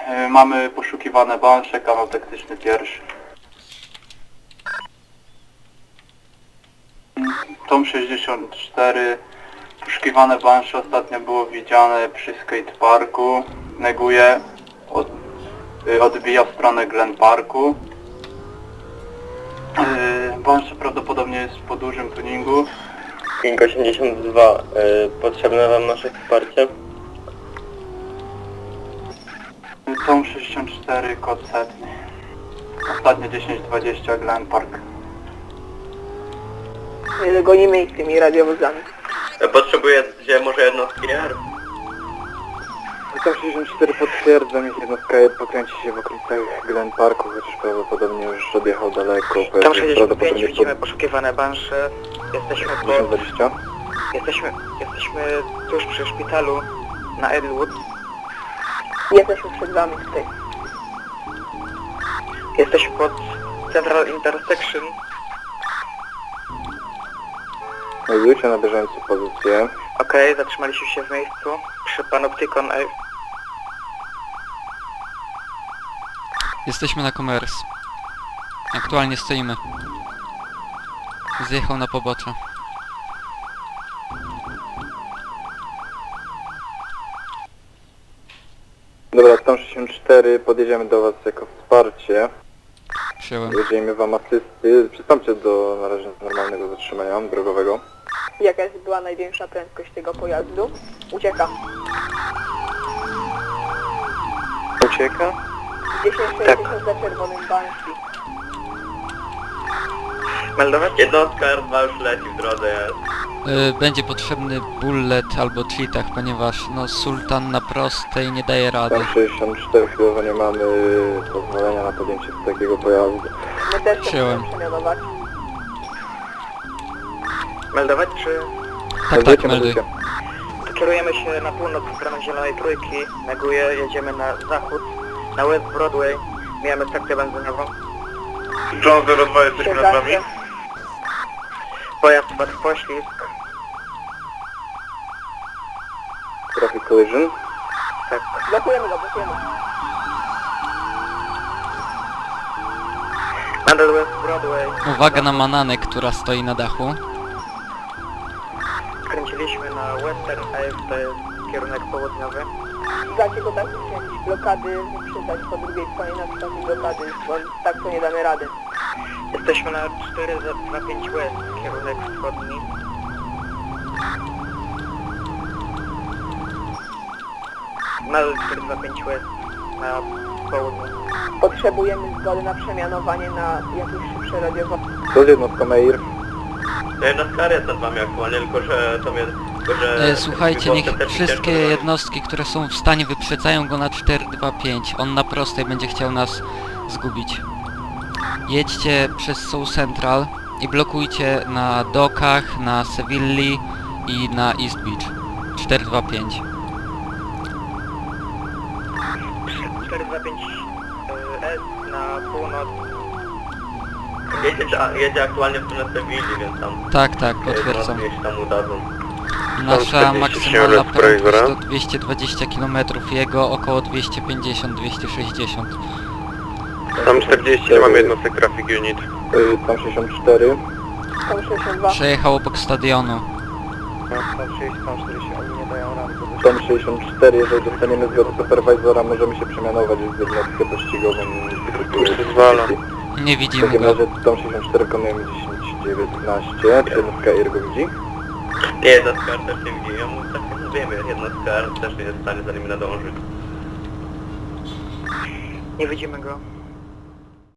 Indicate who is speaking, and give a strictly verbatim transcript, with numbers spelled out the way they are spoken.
Speaker 1: Yy, mamy poszukiwane bansze, kanał taktyczny pierwszy. Tom sześćdziesiąt cztery, poszukiwane bansze ostatnio było widziane przy skateparku. Neguje, od, yy, odbija w stronę Glen Parku. Yy, bansze prawdopodobnie jest po dużym tuningu.
Speaker 2: King osiemdziesiąt dwa, y, potrzebne wam nasze wsparcie?
Speaker 1: Tom sześćdziesiąt cztery, kod setny. Ostatnio dziesięć dwadzieścia Glen Park.
Speaker 3: Nie dogonimy ich tymi radiowozami.
Speaker 2: Potrzebuję gdzie może jednostki R?
Speaker 4: Tom sześćdziesiąt cztery potwierdzam, ich jednostka pokręci się w okolicach Glen Parku, chociaż prawdopodobnie już odjechał daleko.
Speaker 5: Tam sześćdziesiąt pięć, widzimy poszukiwane bansze. Jesteśmy
Speaker 4: tysiąc
Speaker 5: po...
Speaker 4: dwadzieścia.
Speaker 5: Jesteśmy, jesteśmy tuż przy szpitalu na Edwood.
Speaker 3: Jesteśmy przed wami tutaj.
Speaker 5: Jesteśmy pod Central Intersection.
Speaker 4: Znajdujcie na bieżąco pozycję.
Speaker 5: Okej, okay, zatrzymaliśmy się w miejscu przy Panopticon A.
Speaker 6: Jesteśmy na Commerce. Aktualnie stoimy. Zjechał na pobocze.
Speaker 4: Dobra, Tom sześćdziesiąt cztery, podjedziemy do was jako wsparcie.
Speaker 6: Przyjąłem.
Speaker 4: Udzielimy wam asysty. Przystąpcie do na razie normalnego zatrzymania drogowego.
Speaker 3: Jaka jest była największa prędkość tego pojazdu? Ucieka.
Speaker 4: Ucieka?
Speaker 3: dziesięć sześćdziesiąt za czerwonym Banshee.
Speaker 5: Meldować?
Speaker 2: Jednostka R dwa już leci w drodze jest.
Speaker 6: Y, będzie potrzebny bullet albo cheatach, ponieważ no Sultan na prostej nie daje rady.
Speaker 4: Tom sześćdziesiąt cztery, chwilowo nie mamy pozwolenia na podjęcie takiego pojazdu.
Speaker 3: My też się
Speaker 6: Przyjąłem.
Speaker 3: chcemy przemianować.
Speaker 5: Meldować czy...
Speaker 6: Tak, tak,
Speaker 4: Meldujcie,
Speaker 6: melduj.
Speaker 4: meldujcie.
Speaker 5: Kierujemy się na północ w stronę Zielonej Trójki. Neguję, jedziemy na zachód. Na West Broadway. Mijamy stację benzynową.
Speaker 2: John zero dwa, jesteśmy nad wami?
Speaker 5: Pojazd wpadł w poślizg.
Speaker 4: Traffic collision.
Speaker 5: Tak.
Speaker 3: Blokujemy go, blokujemy.
Speaker 5: Nadal West Broadway.
Speaker 6: Uwaga na Mananę, która stoi na dachu.
Speaker 5: Skręciliśmy na Western Ave, to jest kierunek południowy.
Speaker 3: Dacie go tak, że jakieś blokady wyprzedzać po drugiej stronie na przykład blokady, bo tak to nie damy rady.
Speaker 5: Jesteśmy na cztery dwa pięć West, kierunek wschodni. Nadal cztery dwa pięć West na południu.
Speaker 3: Potrzebujemy zgody na przemianowanie na jakieś szybsze radiowozy.
Speaker 4: To z jednostką Air.
Speaker 2: To jednostka R jest nad wami aktualnie, tylko że to mnie... Tylko, że
Speaker 6: E, słuchajcie, niech
Speaker 2: śmigłowce też
Speaker 6: wszystkie
Speaker 2: ciężko
Speaker 6: jednostki, które są w stanie, wyprzedzają go na cztery dwa pięć. On na prostej będzie chciał nas zgubić. Jedźcie przez South Central i blokujcie na dokach, na Sevilli i na East Beach. cztery dwa pięć.
Speaker 5: cztery dwa pięć S na północ.
Speaker 2: Jedzie, jedzie aktualnie w stronę Sewilli, więc tam...
Speaker 6: Tak, tak,
Speaker 2: e,
Speaker 6: potwierdzam.
Speaker 2: jednostki się tam udadzą.
Speaker 6: Nasza
Speaker 2: czterdzieści
Speaker 6: maksymalna
Speaker 2: siedem
Speaker 6: prędkość
Speaker 2: Fraser'a.
Speaker 6: to dwieście dwadzieścia kilometrów, jego około dwieście pięćdziesiąt do dwustu sześćdziesięciu.
Speaker 4: Tam czterdzieści, nie mamy jednostek traffic unit. Tom sześćdziesiąt cztery.
Speaker 3: Tam sześćdziesiąt dwa.
Speaker 6: Przejechał obok stadionu.
Speaker 4: Tom czterdzieści, oni nie dają rady. Tom sześćdziesiąt cztery, jeżeli dostaniemy zgodę superwizora, możemy się przemianować w jednostkę pościgową. Zwala.
Speaker 6: Nie
Speaker 4: W
Speaker 6: widzimy
Speaker 4: takim
Speaker 6: go.
Speaker 4: razie Tom sześćdziesiąt cztery wykonujemy dziesięć dziewiętnaście. Czy jednostka Air go widzi?
Speaker 2: Nie, jednostka R też nie widzi, ja mu tak jak mówimy, jednostka R też nie jest w stanie za nimi nadążyć.
Speaker 5: Nie widzimy go.